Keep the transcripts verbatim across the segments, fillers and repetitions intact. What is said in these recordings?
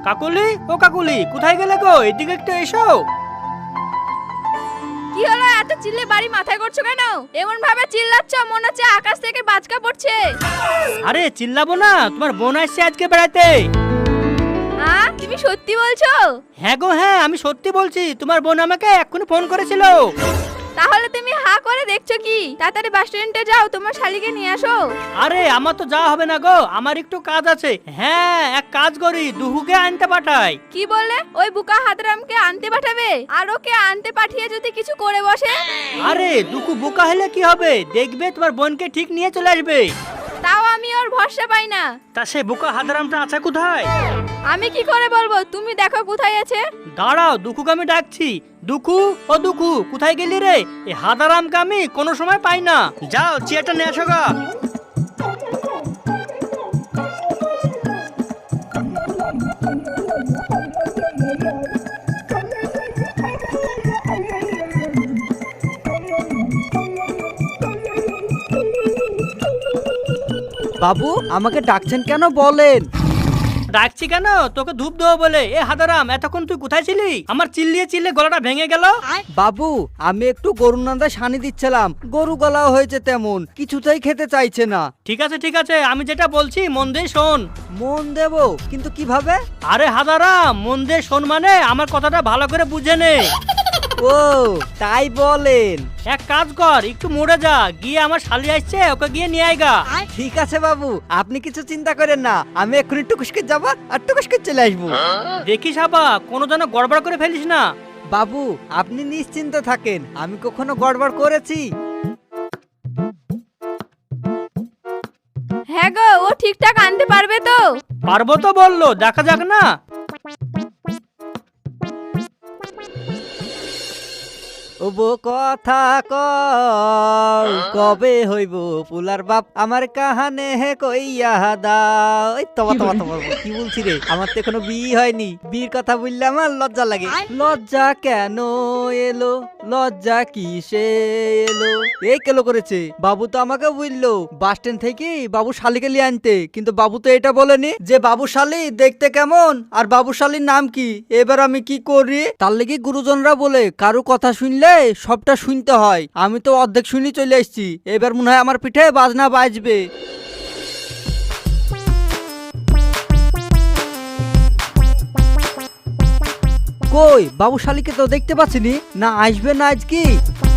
কাকুলি, ও কাকুলি, কোথায় গেলে গো? এদিকে একটু এসো। কি হলো, এত চিল্লে বাড়ি মাথায় করছো কেন? এমন ভাবে চিল্লাচ্ছ মনে হচ্ছে আকাশ থেকে বাজকা পড়ছে। আরে চিল্লাবো না, তোমার বোন আসছে আজকে বেড়াতে। হ্যাঁ, তুমি সত্যি বলছো? হ্যাঁ গো হ্যাঁ, আমি সত্যি বলছি। তোমার বোন আমাকে এক্ষুনি ফোন করেছিল। তাহলে তুমি হা করে দেখছো কি? তাড়াতাড়ি বাস স্ট্যান্ডে যাও, তোমার শালিকে নিয়ে আসো। আরে আমার তো যাওয়া হবে না গো, আমার একটু কাজ আছে। হ্যাঁ, এক কাজ করি, দুহুকে আনতে পাঠাই। কি বললে? ওই বুকা হাতরামকে আনতে পাঠাবে? আর ওকে আনতে পাঠিয়ে যদি কিছু করে বসে? আরে দুকু বোকা হলে কি হবে, দেখবে তোমার বোনকে ঠিক নিয়ে চলে আসবে। তাও আমি ওর ভরসা পাই না। তা সে বোকা হাদারামটা আছে কোথায়? আমি কি করে বলবো? তুমি দেখো কোথায় আছে। দাঁড়াও, দুকুকে আমি ডাকছি। দুকু, ও দুকু, কোথায় গেলি রে? এই হাদারামকে আমি কোনো সময় পাই না। যাও চেয়ারটা নিয়ে আসো গা। বাবু আমাকে ডাকছেন কেন বলেন? ডাকছি কেন? তোকে ধূপ দেবো বলে। এ হাদারাম, এতক্ষণ তুই কোথায় ছিলি? আমার চিল্লিয়ে চিল্লিয়ে গলাটা ভেঙে গেল। বাবু আমি একটু গরুর নান্দা সানি দিচ্ছিলাম, গরু গলাও হয়েছে তেমন, কিছুতেই খেতে চাইছে না। ঠিক আছে ঠিক আছে, আমি যেটা বলছি মন দিয়ে শোন। মন দেব, কিন্তু কিভাবে? আরে হাদারাম, মন দিয়ে শোন মানে আমার কথাটা ভালো করে বুঝে নে। ও তাই বলেন। এক কাজ কর, একটু মোড়ে যা, গিয়ে আমার শালি আসছে, ওকে গিয়ে নিয়ে আয়গা। ঠিক আছে বাবু, আপনি কিছু চিন্তা করেন না, আমি এক্ষুনি টুকুসকে যাব আর টুকুসকে চলে আসবো। দেখিস হাবা, কোনো যেন গড়বড় করে ফেলিস না। বাবু আপনি নিশ্চিন্ত থাকেন, আমি কখনো গড়বড় করেছি? হ্যাঁ গো, ও ঠিকঠাক আনতে পারবে তো? পারবো তো বললো, দেখা যাক না। ওবো কথা কও কবে হইব পুলার বাপ, আমার কাহানে হে কইয়া দাও। ওই তবা তবা তবা কি বলছি রে, আমার তো এখনো বিয়ে হয়নি, বিয়ের কথা বললে আমার লজ্জা লাগে। লজ্জা কেন এলো, লজ্জা কিসে এলো? এই কেলো করেছে বাবু, তো আমাকে বললো বাস স্ট্যান্ড থেকে বাবু শালিকে লিয়ে আনতে, কিন্তু বাবু তো এটা বলেনি যে বাবু শালি দেখতে কেমন আর বাবু শালির নাম কি। এবার আমি কি করি? তার লেগে গুরুজনরা বলে কারো কথা শুনলে সবটা শুনতে হয়। আমি তো অর্ধেক শুনি চলে এসেছি, এবার মনে হয় আমার পিঠে বাজনা বাজবে। কই বাবু শালিকে তো দেখতে পাচ্ছিনি, না আসবে না আজ কি?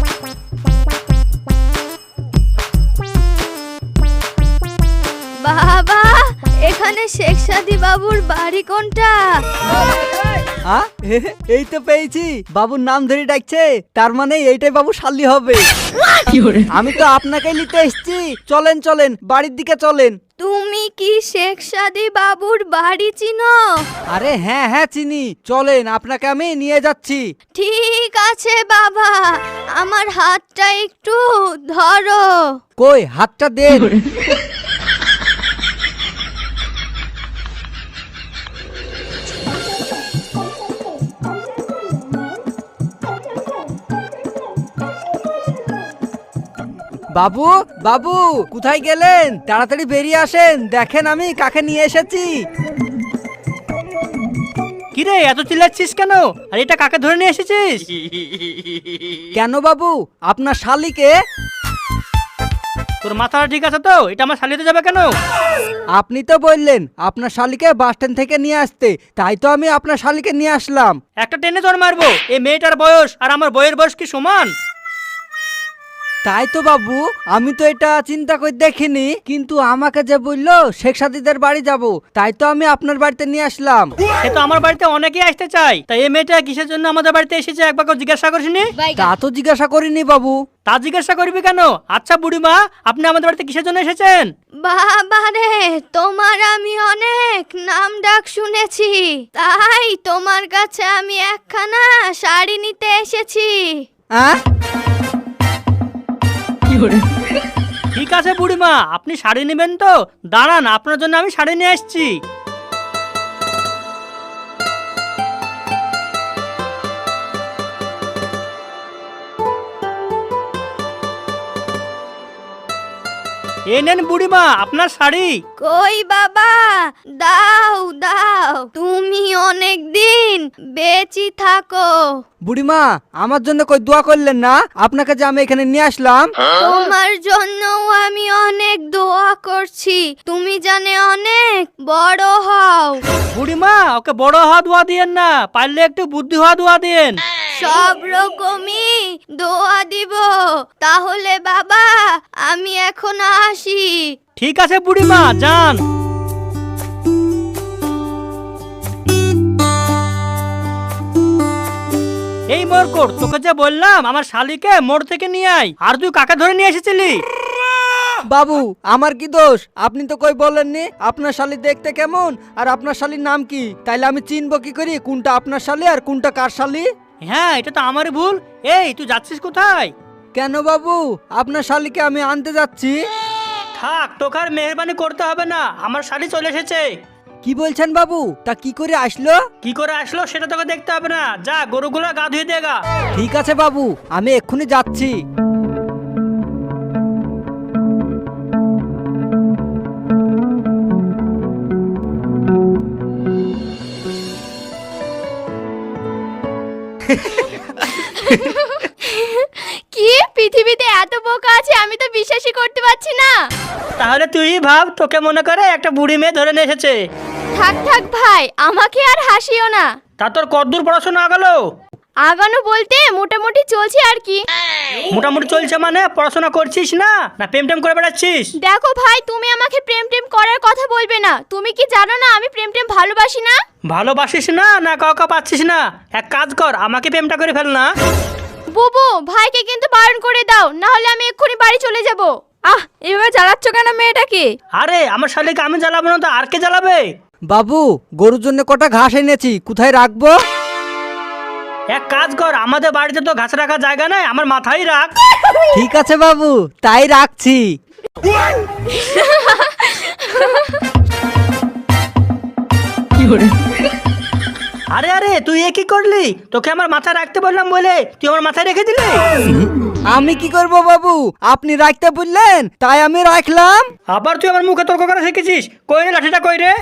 বাবা, এখানে শেখ সাদি বাবুর বাড়ি কোনটা? আ? এই তো পেয়েছি, বাবুর নাম ধরে ডাকছে, তার মানে এইটাই বাবু শালি হবে। আমি তো আপনাকেই নিতে এসেছি, চলেন চলেন বাড়ির দিকে চলেন। তুমি কি শেখ সাদি বাবুর বাড়ি চিনো? আরে হ্যাঁ হ্যাঁ চিনি, চলেন আপনাকে আমি নিয়ে যাচ্ছি। ঠিক আছে বাবা, আমার হাতটা একটু ধরো। কই হাতটা দেন। বাবু বাবু কোথায় গেলেন? তাড়াতাড়ি বেরিয়ে আসেন, দেখেন আমি কাকে নিয়ে এসেছি। কিরে এত চিল্লাচ্ছিস কেন? আর এটা কাকে ধরে নিয়ে এসেছিস? কেন বাবু, আপনার শালিকে। তোর মাথাটা ঠিক আছে তো? এটা আমার শালিতে যাবে কেন? আপনি তো বললেন আপনার শালিকে বাস স্ট্যান্ড থেকে নিয়ে আসতে, তাই তো আমি আপনার শালিকে নিয়ে আসলাম। একটা টেনে জ্বর মারবো। এই মেয়েটার বয়স আর আমার বইয়ের বয়স কি সমান? তাই তো বাবু, আমি তো এটা চিন্তা করে দেখিনি, কিন্তু আমাকে যে বললো শেখ সাদিদের বাড়ি যাব, তাই তো আমি আপনার বাড়িতে নিয়ে আসলাম। সে তো আমার বাড়িতে অনেকেই আসতে চায়, তাই এই মেয়েটা কিসের জন্য আমাদের বাড়িতে এসেছে একবার কেউ জিজ্ঞাসা করিসনি? তা তো জিজ্ঞাসা করিনি বাবু। তা জিজ্ঞাসা করবি কেন? আচ্ছা বুড়িমা, আপনি আমাদের বাড়িতে কিসের জন্য এসেছেন? বাবা রে, তোমার আমি অনেক নাম ডাক শুনেছি, তাই তোমার কাছে আমি একখানা শাড়ি নিতে এসেছি। হ্যাঁ ঠিক আছে বুড়িমা, আপনি শাড়ি নেবেন তো? দাঁড়ান, আপনার জন্য আমি শাড়ি নিয়ে আসছি। এই নেন বুড়িমা আপনার শাড়ি। কই বাবা, দাও দাও, তুমি অনেক দিন বেঁচে থাকো। বুড়িমা, আমার জন্য কই দোয়া করলেন না? আপনাকে যে আমি এখানে নিয়ে আসলাম। তোমার জন্যও আমি অনেক দোয়া করছি, তুমি জানে অনেক বড় হও। বুড়িমা, ওকে বড় হওয়া দোয়া দিয়েন না, পারলে একটু বুদ্ধি হওয়া দোয়া দিয়েন। সব রকমই দোয়া দিব। তাহলে বাবা, আমি এখন আসি। ঠিক আছে বুড়িমা, যান। এই মরকট, তোকে যে বললাম আমার শালিকে মোড় থেকে নিয়ে আয়, আর তুই কাকে ধরে নিয়ে এসেছিলি? বাবু, আমার কি দোষ? আপনি তো কই বলেননি আপনার শালি দেখতে কেমন আর আপনার শালির নাম কি। তাইলে আমি চিনবো কি করি কোনটা আপনার শালি আর কোনটা কার শালি? হ্যাঁ, এটা তো আমারই ভুল। এই, তুই যাচ্ছিস কোথায়? কেন বাবু, আপনার শালিকে আমি আনতে যাচ্ছি। থাক, তোকে আর মেহরবানি করতে হবে না, আমার শালি চলে এসেছে। কি বলছেন বাবু? তা কি করে আসলো? কি করে আসলো সেটা তোকে দেখতে হবে না, যা গরুগুলো গা ধুয়ে দেগা। ঠিক আছে বাবু, আমি এক্ষুনি যাচ্ছি। কি পৃথিবীতে এত বোকা আছে, আমি তো বিশ্বাসই করতে পারছি না। তাহলে তুই ভাব, তোকে মনে করে একটা বুড়ি মেয়ে ধরে নিয়ে এসেছে। থাক থাক ভাই, আমাকে আর হাসিও না। তা তোর কতদূর পড়াশোনা গেল? আগানো বলতে মোটামুটি চলছে আর কি। মোটামুটি চলছে মানে পড়াশোনা করছিস না, না প্রেম টেম করে বেড়াচ্ছিস? দেখো ভাই, তুমি আমাকে প্রেম টেম করার কথা বলবে না। তুমি কি জানো না আমি প্রেম টেম ভালোবাসি না? ভালোবাসিস না, না কাউকে পাচ্ছিস না? এক কাজ কর, আমাকে প্রেমটা করে ফেল না। বুবু, ভাইকে কিন্তু বারণ করে দাও, না হলে আমি এক্ষুনি বাড়ি চলে যাব। আহ, এভাবে জ্বালাচ্ছ কেন মেয়েটাকে? আরে, আমার শালিকে আমি জ্বালাবো না তো আর কে জ্বালাবে? বাবু, গরুর জন্য কটা ঘাস এনেছি, কোথায় রাখবো? এক কাজ কর, আমাদের বাড়িতে তো ঘাস রাখার জায়গা নাই, আমার মাথায় রাখ। ঠিক আছে বাবু, তাই রাখছি। আরে আরে, তুই এ কি করলি? তোকে আমার মাথায় রাখতে বললাম বলে তুই আমার মাথায় রেখে দিলি। আমি কি করব বাবু, আপনি রাখতে বললেন তাই আমি রাখলাম। আবার তুই আমার মুখে তর্ক করা শিখেছিস? কই রে লাঠিটা, কই রে?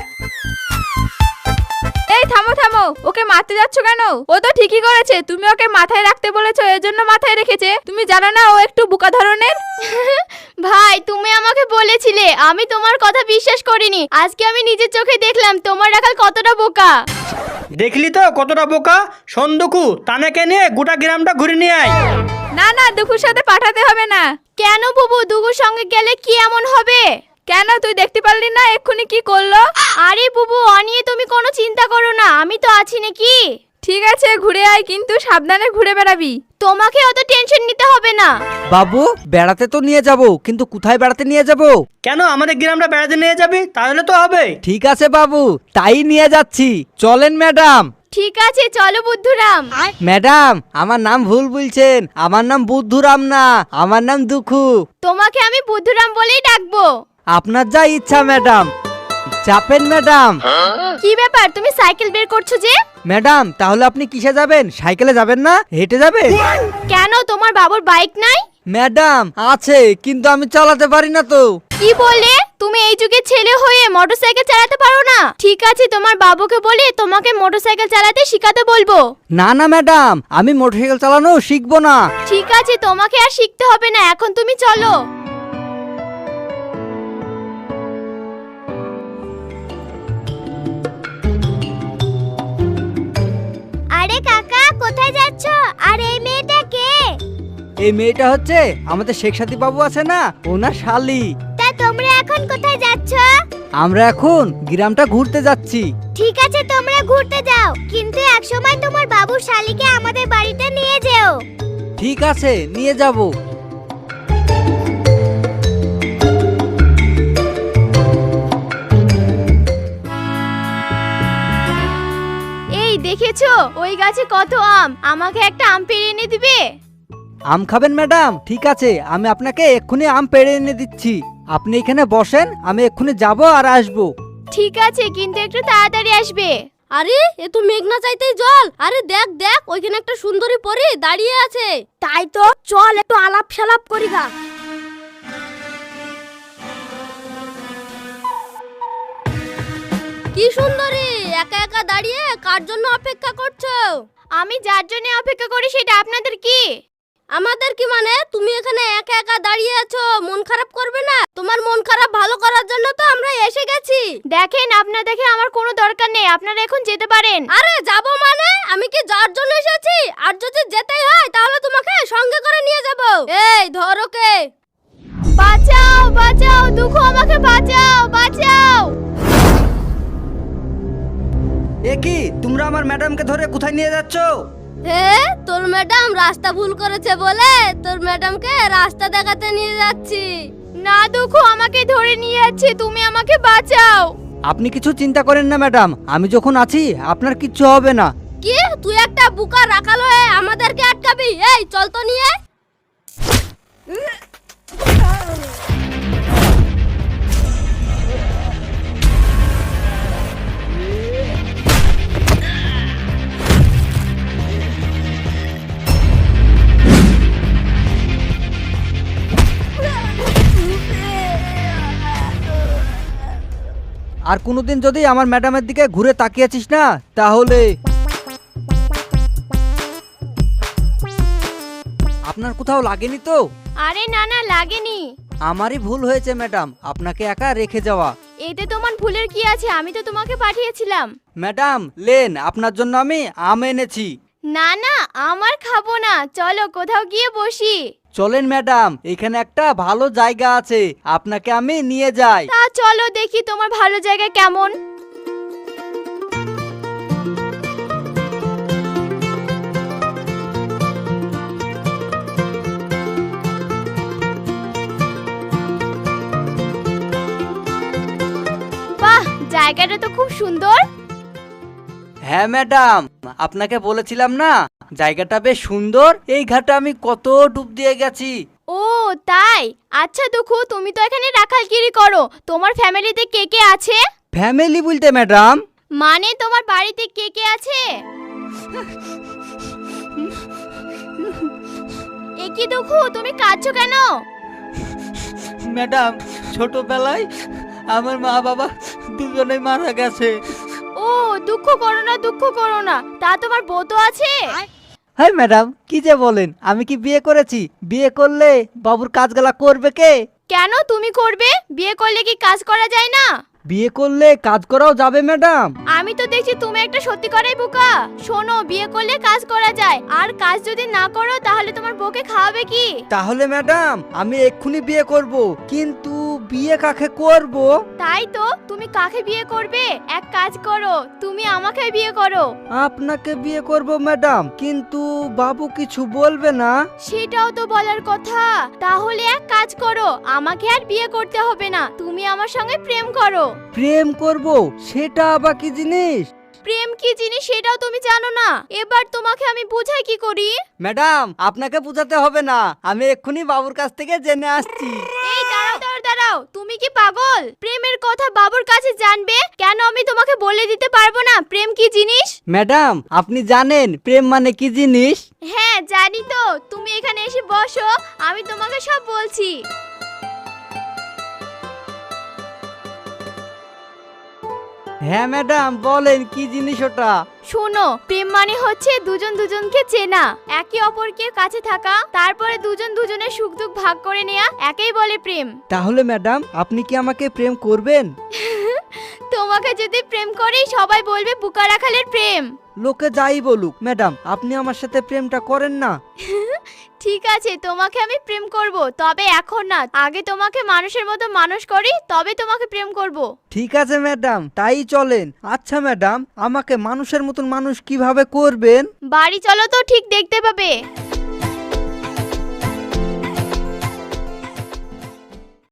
এই থামো থামো, ওকে মারতে যাচ্ছ কেন? ও তো ঠিকই করেছে, তুমি ওকে মাথায় রাখতে বলেছো, এজন্য মাথায় রেখেছে। তুমি জানো না ও একটু বোকা ধরনের? ভাই, তুমি আমাকে বলেছিলে, আমি তোমার কথা বিশ্বাস করিনি। আজকে আমি নিজের চোখে দেখলাম তোমার রাখাল কতটা বোকা। দেখলি তো কতটা বোকা। সন্দুকু, তানেকে নিয়ে গোটা গ্রামটা ঘুরে নিয়ে আয়। না না, দুপুর সাথে পাঠাতে হবে না। কেন বুবু, দুগুর সঙ্গে গেলে কি এমন হবে? কেন, তুই দেখতে পারলি না এক্ষুনি কি করলো? আরে বুবু, অ নিয়ে তুমি কোনো চিন্তা করো না, আমি তো আছি নাকি। ঠিক আছে, ঘুরে আয়, কিন্তু সাবধানে ঘুরে বেড়াবি। তোমাকে অত টেনশন নিতে হবে না। বাবু, বেড়াতে তো নিয়ে যাব, কিন্তু কোথায় বেড়াতে নিয়ে যাব? কেন, আমাদের গ্রামটা বেড়াতে নিয়ে যাবি? তাহলে তো হবে। ঠিক আছে বাবু, তাই নিয়ে যাচ্ছি। চলেন ম্যাডাম। ঠিক আছে, চলো বুদ্ধুরাম। ম্যাডাম, আমার নাম ভুল বলছেন, আমার নাম বুদ্ধুরাম না, আমার নাম দুখু। তোমাকে আমি বুদ্ধুরাম বলেই ডাকবো। আপনার যা ইচ্ছা ম্যাডাম। চাপেন ম্যাডাম। কি ব্যাপার, তুমি সাইকেল বের করছো যে? ম্যাডাম, তাহলে আপনি কিসে যাবেন? সাইকেলে যাবেন না, হেঁটে যাবেন? কেন, তোমার বাবুর বাইক নাই? ম্যাডাম, আছে, কিন্তু আমি চালাতে পারি না তো। কি বললে? তুমি এই যুগের ছেলে হয়ে মোটরসাইকেল চালাতে পারো না? ঠিক আছে, তোমার বাবুকে বলে তোমাকে মোটরসাইকেল চালাতে শিখাতে বলবো। না না ম্যাডাম, আমি মোটরসাইকেল চালানো শিখবো না। ঠিক আছে, তোমাকে আর শিখতে হবে না, এখন তুমি চলো। আরে কাকা, কোথায় যাচ্ছ? আর এই মেয়েটা কে? এই মেয়েটা হচ্ছে আমাদের শেখ সাথী বাবু আছে না, ওনার শালি। তা তোমরা এখন কোথায় যাচ্ছ? আমরা এখন গ্রামটা ঘুরতে যাচ্ছি। ঠিক আছে, তোমরা ঘুরতে যাও, কিন্তু একসময় তোমার বাবুর শালিকে আমাদের বাড়িতে নিয়ে যেও। ঠিক আছে, নিয়ে যাব। এই দেখেছো, ওই গাছে কত আম, আমাকে একটা আম পেড়ে এনে দিবে? আম খাবেন ম্যাডাম? ঠিক আছে, আমি আপনাকে এক্ষুনি আম পেড়ে এনে দিচ্ছি। আপনি এখানে বসেন, আমি এক্ষুনি যাব আর আসবো। ঠিক আছে, কিন্তু একটু তাড়াতাড়ি আসবে। আরে, এ তো মেঘনা চাইতেই জল। আরে দেখ দেখ, ওইখানে একটা সুন্দরী পরী দাঁড়িয়ে আছে। তাই তো, চল একটু আলাপ সালাপ করি গা। কি সুন্দরী, একা একা দাঁড়িয়ে কার জন্য অপেক্ষা করছো? আমি যার জন্য অপেক্ষা করি সেটা আপনাদের কি? আমাদের কি মানে? তুমি এখানে একা একা দাঁড়িয়ে আছো, মন খারাপ করবে না? তোমার মন খারাপ ভালো করার জন্য তো আমরা এসে গেছি। দেখেন, আপনার দেখে আমার কোনো দরকার নেই, আপনারা এখন যেতে পারেন। আরে যাবো মানে? আমি কি যার জন্য এসেছি? আর যদি যেতেই হয় তাহলে তোমাকে সঙ্গে করে নিয়ে যাব। এই ধরো কে। বাঁচাও বাঁচাও, দুঃখু আমাকে বাঁচাও বাঁচাও। এ কি, তোমরা আমার ম্যাডামকে ধরে কোথায় নিয়ে যাচ্ছ? হে, তোর ম্যাডাম রাস্তা ভুল করেছে বলে তোর ম্যাডামকে রাস্তা দেখাতে নিয়ে যাচ্ছি। না দুঃখু, আমাকে ধরে নিয়ে যাচ্ছে, তুমি আমাকে বাঁচাও। আপনি কিছু চিন্তা করেন না ম্যাডাম, আমি যখন আছি আপনার কিচ্ছু হবে না। কি, তুই একটা বুকা রাখাল হয়ে আমাদেরকে আটকাবি? এই চল তো নিয়ে। আর কোনোদিন যদি আমার ম্যাডামের দিকে ঘুরে তাকিয়েছিস না তাহলে আপনার কোথাও লাগেনি তো? আরে না না, লাগেনি। আমারই ভুল হয়েছে ম্যাডাম, আপনাকে একা রেখে যাওয়া। এতে তোমার ভুলের কি আছে? আমি তো তোমাকে পাঠিয়েছিলাম। ম্যাডাম লেন, আপনার জন্য আমি আম এনেছি। না না, আমার খাবো না, চলো কোথাও গিয়ে বসি। চলেন ম্যাডাম, এখানে একটা ভালো জায়গা আছে, আপনাকে আমি নিয়ে যাই। তা চলো দেখি তোমার ভালো জায়গা কেমন। বাহ, জায়গাটা তো খুব সুন্দর। হ্যাঁ ম্যাডাম, আপনাকে বলেছিলাম না জায়গাটা বেশ সুন্দর। এই ঘাটে আমি কত ডুব দিয়ে গেছি। ও তাই? আচ্ছা দুঃখু, তুমি তো এখানে রাখালগিরি করো, তোমার ফ্যামিলিতে কে কে আছে? ফ্যামিলি বলতে ম্যাডাম? মানে তোমার বাড়িতে কে কে আছে? এ কি দুঃখু, তুমি কাঁদছো কেন? ম্যাডাম, ছোটবেলায় আমার মা বাবা দুজনেই মারা গেছে। ও দুঃখ করো না, দুঃখ করো না। তা তোমার বউ তো আছে? হ্যাঁ ম্যাডাম, কি যে বলেন, আমি কি বিয়ে করেছি? বিয়ে করলে বাবুর কাজগুলা করবে কে? কেন তুমি করবে? বিয়ে করলে কি কাজ করা যায় না? বিয়ে করলে কাজ করাও যাবে ম্যাডাম। আমি তো দেখছি তুমি একটা সত্যিকারের বোকা। শোনো, বিয়ে করলে কাজ করা যায়, আর কাজ যদি না করো তাহলে তোমার বউকে খাওয়াবে কি? তাহলে ম্যাডাম আমি এক্ষুনি বিয়ে করব, কিন্তু বিয়ে কাকে করব? তাই তো, তুমি কাকে বিয়ে করবে? এক কাজ করো, তুমি আমাকে বিয়ে করো। আপনাকে বিয়ে করব ম্যাডাম, কিন্তু বাবু কিছু বলবে না? সেটাও তো বলার কথা। তাহলে এক কাজ করো, আমাকে আর বিয়ে করতে হবে না, তুমি আমার সঙ্গে প্রেম করো। প্রেম করব? সেটা আবার কি জিনিস? প্রেম কি জিনিস সেটাও তুমি জানো না? এবার তোমাকে আমি বুঝাই কি করি? ম্যাডাম আপনাকে বোঝাতে হবে না, আমি এক্ষুনি বাবুর কাছ থেকে জেনে আসছি। এই দাঁড়াও দাঁড়াও দাঁড়াও, তুমি কি পাগল? প্রেমের কথা বাবুর কাছে জানবে কেন? আমি তোমাকে বলে দিতে পারবো না প্রেম কি জিনিস? ম্যাডাম আপনি জানেন প্রেম মানে কি জিনিস? হ্যাঁ জানি তো, তুমি এখানে এসে বসো, আমি তোমাকে সব বলছি। হ্যাঁ ম্যাডাম বলেন, কি জিনিস ওটা? শোনো, প্রেম মানে হচ্ছে দুজন দুজনকে চেনা, একে অপরকে কাছে থাকা, তারপরে দুজন দুজনের সুখ দুঃখ ভাগ করে নেয়া, একেই বলে প্রেম। তাহলে ম্যাডাম আপনি কি আমাকে প্রেম করবেন? তোমাকে যদি প্রেম করি সবাই বলবে বুকা রাখালের প্রেম। লোকে যাই বলুক, ম্যাডাম আপনি আমার সাথে প্রেমটা করেন না। ঠিক আছে, তোমাকে আমি প্রেম করব, তবে এখন না, আগে তোমাকে মানুষের মতো মানুষ করি, তবে তোমাকে প্রেম করব। ঠিক আছে ম্যাডাম, তাই চলেন। আচ্ছা ম্যাডাম, আমাকে মানুষের মতন মানুষ কিভাবে করবেন? বাড়ি চলো তো ঠিক দেখতে পাবে।